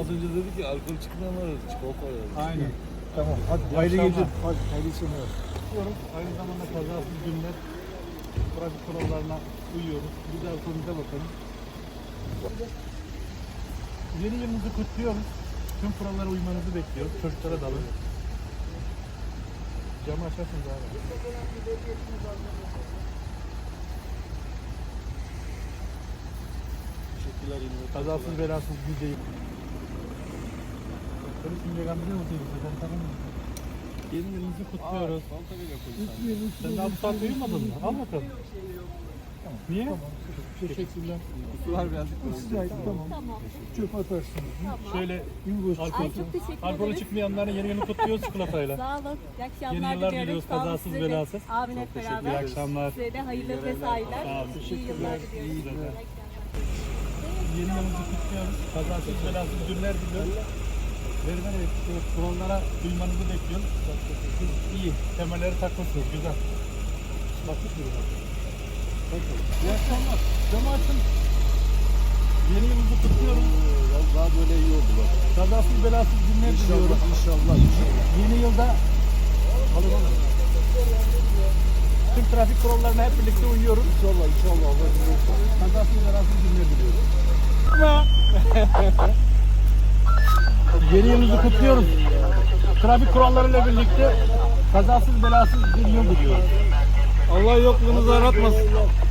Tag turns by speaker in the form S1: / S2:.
S1: önce dedi ki alkol çıkmayan var, çikolata var.
S2: Aynen.
S3: Tamam. Hadi hayırlı geceler. Hadi hayırlı seneler.
S2: Diyoruz. Aynı zamanda kazasız günler trafik kurallarına uyuyoruz. Bir de alkolümüze bakalım. Yeni yılınızı kutluyoruz. Tüm kurallara uymanızı bekliyoruz. Çocuklara dalın. Camı açarsınız abi.
S1: Teşekkürler yine.
S2: Kazasız belasız gideyim. Polis şimdi gandırıyor mu seni? Ben tanımıyorum. Yeni yılınızı kutluyoruz.
S1: Salta bile koy.
S2: Sen daha bu saat uyumadın mı? Al bakalım. Niye?
S3: Teşekkürler.
S1: Kutular geldik.
S3: Tamam. Çöp atarsınız.
S2: Şöyle alkol,
S4: Ay çok teşekkür
S2: alkolü
S4: ederiz.
S2: çıkmayanların yeni yılını kutluyoruz çikolatayla.
S4: Sağ olun. İyi akşamlar
S2: Yeni yıllar
S4: diliyoruz.
S2: diliyoruz,
S4: Sağ olun
S2: kazasız
S4: size de.
S2: belasız.
S4: Amin hep beraber.
S2: İyi akşamlar.
S4: Size de hayırlı mesailer.
S2: Sağ olun.
S4: İyi yıllar diliyoruz.
S2: İyi günler.
S4: İyi akşamlar.
S2: Yeni yılımızı kutluyoruz. Kazasız belasız günler diliyoruz. Verilen kurallara uymanızı bekliyoruz. Siz iyi. Temelleri takmışsınız. Güzel. Bakmış mıyız? İyi akşamlar. Camı açın. Yeni yılımızı kutluyoruz.
S1: Daha böyle iyi oldu bak.
S2: Kazasız belasız günler diliyoruz.
S1: İnşallah.
S2: Yeni yılda tüm trafik kurallarına hep birlikte uyuyoruz.
S1: İnşallah. Allah razı olsun.
S2: Kazasız belasız günler diliyoruz. Yeni yılınızı kutluyoruz. Trafik kurallarıyla birlikte kazasız belasız bir yıl diliyoruz.
S1: Allah yokluğunuzu aratmasın.